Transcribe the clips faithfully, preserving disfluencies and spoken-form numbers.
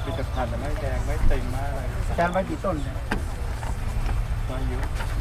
มีแต่ผ่านแต่ไม่แดงไม่เต็มมากเลยแกนไว้กี่ต้นเนี่ยมาเยอะ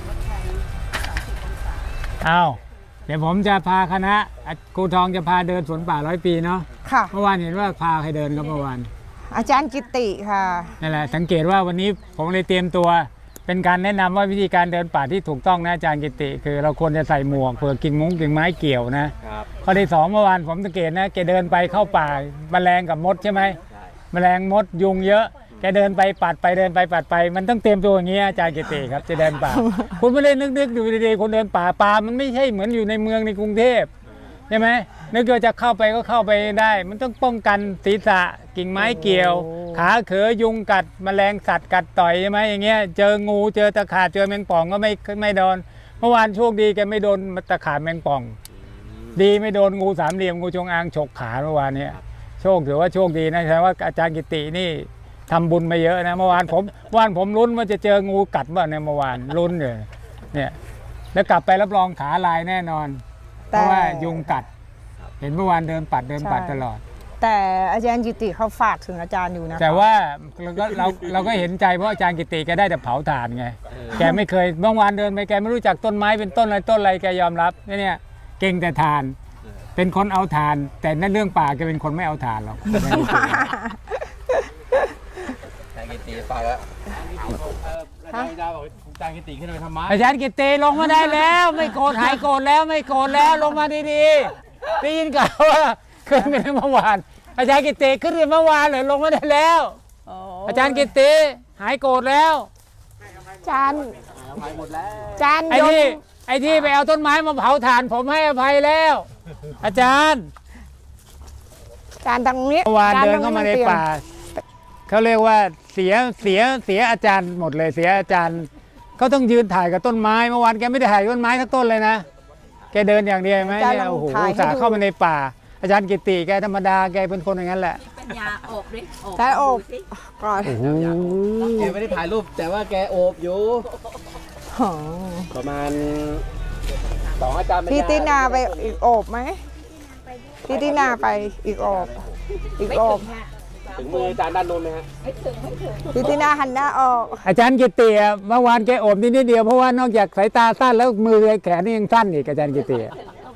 อ้าวเดี๋ยวผมจะพาคณะครูทองจะพาเดินสวนป่าร้อยปีเนาะค่ะเมื่อวานเห็นว่าพาใครเดินครับเมื่อวานอาจารย์กิติค่ะนั่นแหละสังเกตว่าวันนี้ผมเลยเตรียมตัวเป็นการแนะนำว่าวิธีการเดินป่าที่ถูกต้องนะอาจารย์กิติคือเราควรจะใส่หมวกเผื่อกิ่งมุ้งกิ่งไม้เกี่ยวนะข้อที่สองเมื่อวานผมสังเกตนะแกเดินไปเข้าป่าแมลงกับมดใช่ไหมแมลงมดยุงเยอะแกเดินไปปัดไปเดินไปปัดไปมันต้องเตรียมตัวอย่างนี้อาจารย์กิติครับจะเดินป่า คุณไม่ได้นึกๆดูดีๆคนเดินป่าป่ามันไม่ใช่เหมือนอยู่ในเมืองในกรุงเทพใช่ไหมนึกว่าจะเข้าไปก็เข้าไปได้มันต้องป้องกันศีรษะกิ่งไม้เกี่ยวขาเขยยุงกัดแมลงสัตว์กัดต่อยใช่ไหมอย่างเงี้ยเจองูเจอตะขาบเจอแมงป่องก็ไม่ไม่โดนเมื่อวานโชคดีแกไม่โดนตะขาบแมงป่องดีไม่โดนงูสามเหลี่ยมงูจงอางฉกขาเมื่อวานเนี้ยโชคถือว่าโชคดีนะแสดงว่าอาจารย์กิตินี่ทำบุญมาเยอะนะเมื่อวานผมเมื่อวานผมลุ้นว่าจะเจองูกัดบ้างในเมื่อวานลุ้นเลยเนี่ยแล้วกลับไปรับรองขาลายแน่นอนเพราะว่ายุงกัดเห็นเมื่อวานเดินปัดเดินปัดตลอดแต่อาจารย์กิติเขาฝากถึงอาจารย์อยู่นะแต่ว่าเราก็เราเราก็เห็นใจเพราะอาจารย์กิติแกได้แต่เผาถ่านไงแกไม่เคยเมื่อวานเดินไปแกไม่รู้จักต้นไม้เป็นต้นอะไรต้นอะไรแกยอมรับเนี่ยเก่งแต่ถ่านเป็นคนเอาถ่านแต่นั่นเรื่องป่าแกเป็นคนไม่เอาถ่านหรอกอาจารย์กิติไปแล้วอาจารย์บอกอาจารย์กิติขึ้นไปทำไมอาจารย์กิติลงมาได้แล้วไม่โกรธหายโกรธแล้วไม่โกรธแล้วลงมาดีๆได้ยินข่าวว่าขึ้นไปเมื่อวานอาจารย์กิติขึ้นไปเมื่อวานเลยลงมาได้แล้วอาจารย์กิติหายโกรธแล้วอาจารย์อาจารย์ไอ้ที่ไอ้ที่ไปเอาต้นไม้มาเผาถ่านผมให้อภัยแล้วอาจารย์อาจารย์ตรงนี้เมื่อวานเดินเข้ามาในป่าเขาเรียกว่าเสียเสียเสียอาจารย์หมดเลยเสียอาจารย์เขาต้องยืนถ่ายกับต้นไม้เมื่อวานแกไม่ได้ถ่ายต้นไม้ทั้งต้นเลยนะแกเดินอย่างเดียวไหมเนี่ยโอ้โหอุตส่าห์เข้ามาในป่าอาจารย์กิติแกธรรมดาแกเป็นคนอย่างนั้นแหละปัญญาโอบดิโอบใช่โอบก่อนแกไม่ได้ถ่ายรูปแต่ว่าแกโอบอยู่ประมาณสองอาจารย์พี่ตินาไปอีกโอบไหมพี่ตินาไปอีกโอบอีกโอบถึงมืออาจารย์ด้านโน้นไหมฮะไม่ถึงไม่ถึงพี่ตินาหันหน้าออกอาจารย์กิติเมื่อวานแกโอบนิดนิดเดียวเพราะว่านอกจากสายตาสั้นแล้วมือแขนนี่ยังสั้นอีกอาจารย์กิติ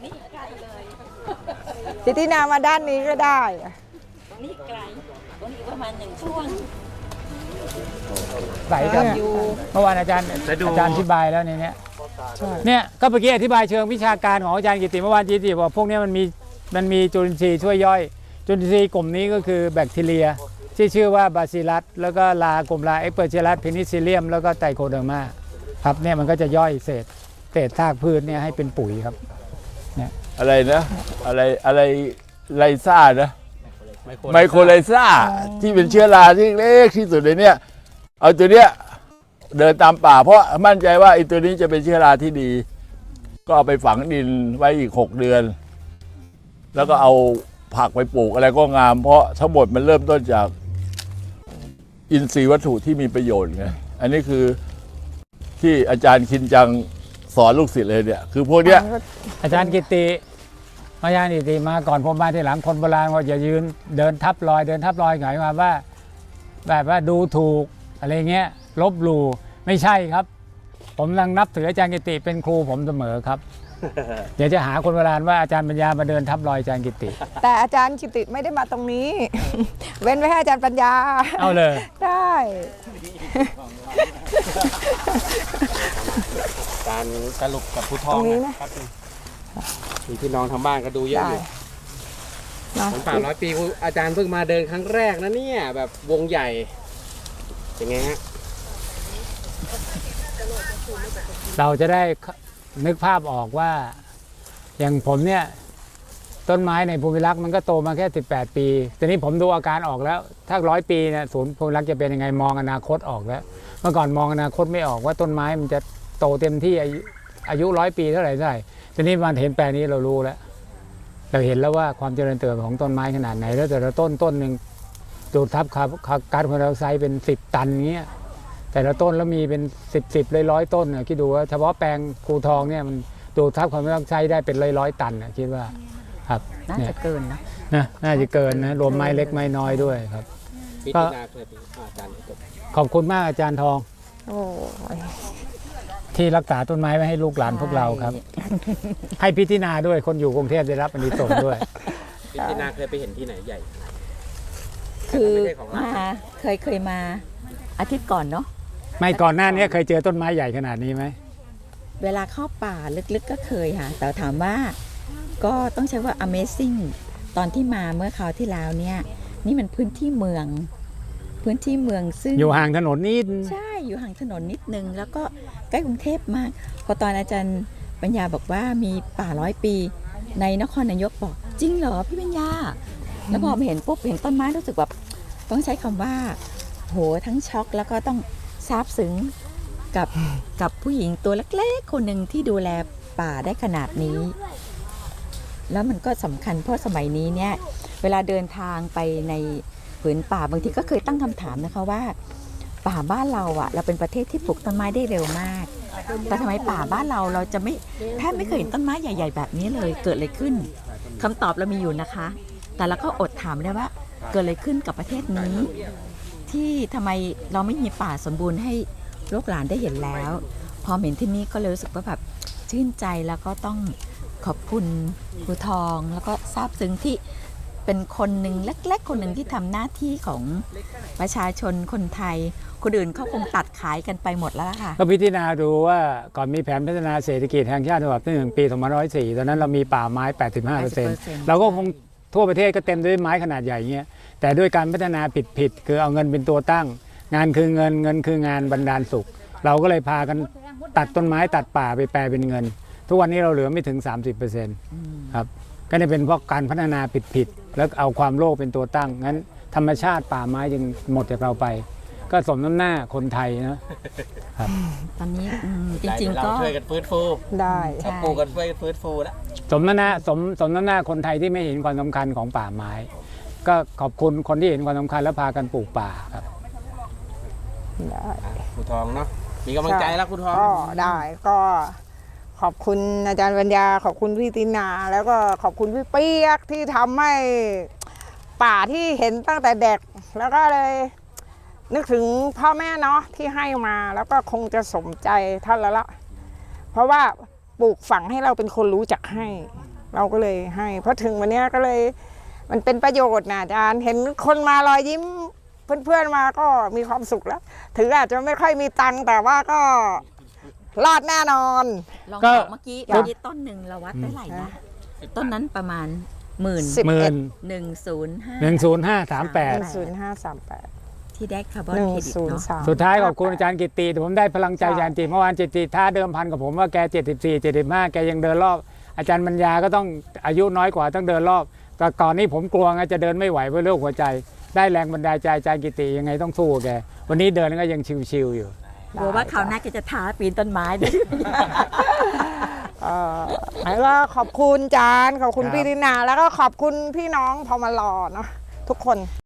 พี่ตินามาด้านนี้ก็ได้ตรงนี้ไกลตรงนี้ประมาณหนึ่งช่วงไหลครับเมื่อวานอาจารย์อาจารย์อธิบายแล้วในนี้เนี่ยก็เมื่อกี้อธิบายเชิงวิชาการของอาจารย์กิติเมื่อวานกิติบอกพวกนี้มันมีมันมีจุลินทรีย์ช่วยย่อยจุลินทรีย์กลุ่มนี้ก็คือแบคทีเรียที่ชื่อว่าบาซิลัสแล้วก็ลากลุ่มลาเอ็กเปอร์เชลัสเพนิซิลเลียมแล้วก็ไตโคเดอร์มาครับเนี่ยมันก็จะย่อยเศษเศษซากพืชเนี่ยให้เป็นปุ๋ยครับเนี่ยอะไรนะอะไรอะไรไลซ่านะไมโครไลซ่าที่เป็นเชื้อราที่เล็กที่สุดในเนี้ยเอาตัวเนี้ยเดินตามป่าเพราะมั่นใจว่าไอ้ตัวนี้จะเป็นเชื้อราที่ดีก็เอาไปฝังดินไว้อีกหกเดือนแล้วก็เอาผักไปปลูกอะไรก็งามเพราะทั้งหมดมันเริ่มต้นจากอินทรีย์วัตถุที่มีประโยชน์ไงอันนี้คือที่อาจารย์คินจังสอนลูกศิษย์เลยเนี่ยคือพวกเนี้ยอาจารย์กิติอาจารย์กิติมาก่อนผมมาทีหลังคนโบราณว่าอย่ายืนเดินทับรอยเดินทับรอยหมายความว่าแบบว่าดูถูกอะไรเงี้ยลบหลู่ไม่ใช่ครับผมกำลังนับถืออาจารย์กิติเป็นครูผมเสมอครับเดี๋ยวจะหาคนโบราณว่าอาจารย์ปัญญามาเดินทับรอยอาจารย์กิติแต่อาจารย์กิติไม่ได้มาตรงนี้เว้นไว้ให้อาจารย์ปัญญาเอาเลยได้การสรุปกับผู้ทองนะครับมีพี่น้องทางบ้านก็ดูเยอะอยู่สวนป่าร้อยปีอาจารย์เพิ่งมาเดินครั้งแรกนะเนี่ยแบบวงใหญ่เป็นไงฮะเราจะได้นึกภาพออกว่าอย่างผมเนี่ยต้นไม้ในภูมิรักษ์มันก็โตมาแค่สิบแปดปีแต่นี้ผมดูอาการออกแล้วถ้าร้อยปีเนี่ยศูนย์ภูมิรักษ์จะเป็นยังไงมองอนาคตออกแล้วเมื่อก่อนมองอนาคตไม่ออกว่าต้นไม้มันจะโตเต็มที่อายุร้อยปีเท่าไหร่เท่าไหร่ทีนี้มันเห็นแปลงนี้เรารู้แล้วเราเห็นแล้วว่าความเจริญเติบโตของต้นไม้ขนาดไหนแล้วแต่ละต้นต้นหนึ่งดูดทับก๊าซคาร์บอนไดออกไซด์เป็นสิบตันเงี้ยแต่ละต้นแล้วมีเป็นสิบสิบร้อยร้อยต้นนะคิดดูว่าเฉพาะแปลงครูทองเนี่ยมันดูดทับคาร์บอนไดออกไซด์ได้เป็นร้อยร้อยตันนะคิดว่าครับน่าจะเกินนะนะน่าจะเกินนะรวมไม้เล็กไม้น้อยด้วยครับพิจารณาเคยเป็นอาจารย์จบขอบคุณมากอาจารย์ทองโอ้ยที่รักษาต้นไม้ไว้ให้ลูกหลานพวกเราครับ ให้พิธีนาด้วยคนอยู่กรุงเทพได้รับอานิสงส์ด้วยพิจารณาเคยไปเห็นที่ไหนใหญ่คือไม่ใช่ของเรามาเคยเคยมาอาทิตย์ก่อนเนาะไม่ก่อนหน้านี้เคยเจอต้นไม้ใหญ่ขนาดนี้ไหมเวลาเข้าป่าลึกๆก็เคยค่ะ แต่ถามว่าก็ต้องใช้ว่า Amazing ตอนที่มาเมื่อคราวที่แล้วเนี่ย นี่มันพื้นที่เมือง พื้นที่เมืองซึ่งอยู่ห่างถนนนิดใช่อยู่ห่างถนนนิดนึง แล้วก็ใกล้กรุงเทพมาก พอตอนอาจารย์ปัญญาบอกว่ามีป่าร้อยปี ในนครนายกบอกจริงเหรอพี่ปัญญา แล้วพอมาเห็นปุ๊บเห็นต้นไม้รู้สึกแบบต้องใช้คำว่าโหทั้งช็อกแล้วก็ต้องซาบซึ้งกับกับผู้หญิงตัวเล็กๆคนหนึ่งที่ดูแลป่าได้ขนาดนี้ แล้วมันก็สำคัญเพราะสมัยนี้เนี่ยเวลาเดินทางไปในผืนป่าบางทีก็เคยตั้งคำถามนะคะว่า ป่าบ้านเราอะเราเป็นประเทศที่ปลูกต้นไม้ได้เร็วมาก แต่ทำไมป่าบ้านเราเราจะไม่แทบไม่เคยเห็นต้นไม้ใหญ่ ๆ แบบนี้เลยเกิดอะไรขึ้นคำตอบเรามีอยู่นะคะ แต่เราก็อดถามได้ว่าเกิดอะไรขึ้นกับประเทศนี้ ที่ทำไมเราไม่มีป่าสมบูรณ์ให้ลูกหลานได้เห็นแล้ว พอเห็นที่นี่ก็เลยรู้สึกว่าแบบชื่นใจแล้วก็ต้องขอบคุณครูทองแล้วก็ซาบซึ้งที่เป็นคนหนึ่งเล็กๆคนหนึ่งที่ทำหน้าที่ของประชาชนคนไทยคนอื่นเขาคงตัดขายกันไปหมดแล้วล่ะค่ะก็พิจารณาดูว่าก่อนมีแผนพัฒนาเศรษฐกิจแห่งชาติฉบับที่หนึ่งปีสองพันห้าร้อยสี่ตอนนั้นเรามีป่าไม้ แปดสิบห้าเปอร์เซ็นต์ เราก็คงทั่วประเทศก็เต็มด้วยไม้ขนาดใหญ่เงี้ยแต่ด้วยการพัฒนาผิดๆคือเอาเงินเป็นตัวตั้ง งานคือเงินเงินคืองานบรรดาลสุข เราก็เลยพากันตัดต้นไม้ตัดป่าไปแปลเป็นเงิน ทุกวันนี้เราเหลือไม่ถึง สามสิบเปอร์เซ็นต์ ครับก็ได้เป็นเพราะการพัฒนาผิดๆแล้วเอาความโลภเป็นตัวตั้งงั้นธรรมชาติป่าไม้จึงหมดจากเราไป ก็สมน้ำหน้าคนไทยนะครับตอนนี้อืมจริงๆก็เราช่วยกันฟื้นฟูได้ใช่ปลูกกันช่วยกันฟื้นฟูแล้วสมน้ำหน้าสมสมน้ำหน้าคนไทยที่ไม่เห็นความสำคัญของป่าไม้ ก็ขอบคุณคนที่เห็นความสำคัญและพากันปลูกป่าครับได้ครูทองเนาะมีกำลังใจแล้วครูทองก็ได้ก็ขอบคุณอาจารย์ปัญญาขอบคุณพี่ตินา แล้วก็ขอบคุณพี่เปียกที่ทำให้ป่าที่เห็นตั้งแต่เด็ก แล้วก็เลยนึกถึงพ่อแม่เนาะที่ให้มาแล้วก็คงจะสมใจท่านแล้วละเพราะว่าปลูกฝังให้เราเป็นคนรู้จักให้ เราก็เลยให้เพราะถึงวันนี้ก็เลยมันเป็นประโยชน์นะอาจารย์เห็นคนมารอยยิ้มเพื่อนๆมาก็มีความสุขแล้วถึงอาจจะไม่ค่อยมีตังค์แต่ว่าก็รอดแน่นอนลองก็บอกเมื่อกี้เมื่อกี้ต้นหนึ่งเราวัดได้เท่าไหร่นะต้นนั้นประมาณหมื่นสิบหมื่นหนึ่งศูนย์ห้าหนึ่งศูนย์ห้าสามแปดศูนย์ห้าสามแปดที่ได้คาร์บอนหนึ่งเครดิตศูนย์เนาะสามสุดท้ายขอบคุณอาจารย์กิตติแต่ผมได้พลังใจอาจารย์กิตติเมื่อวานจิตติท้าเดิมพันกับผมว่าแกเจ็ดสิบสี่ เจ็ดสิบห้าแกยังเดินรอบอาจารย์ปัญญาก็ต้องอายุน้อยกว่าต้องเดินรอบแต่ก่อนนี้ผมกลัวไงจะเดินไม่ไหวเพราะโรคหัวใจ ได้แรงบันดาลใจอาจารย์กิตติยังไงต้องสู้กับแกวันนี้เดินก็ยังชิวๆอยู่กลัวว่าคราวหน้าแกจะท้าปีนต้นไม้ด้วยเอ่อแล้วก็ขอบคุณจานขอบคุณครับพี่ตินา แล้วก็ขอบคุณพี่น้องพอมารอเนาะทุกคน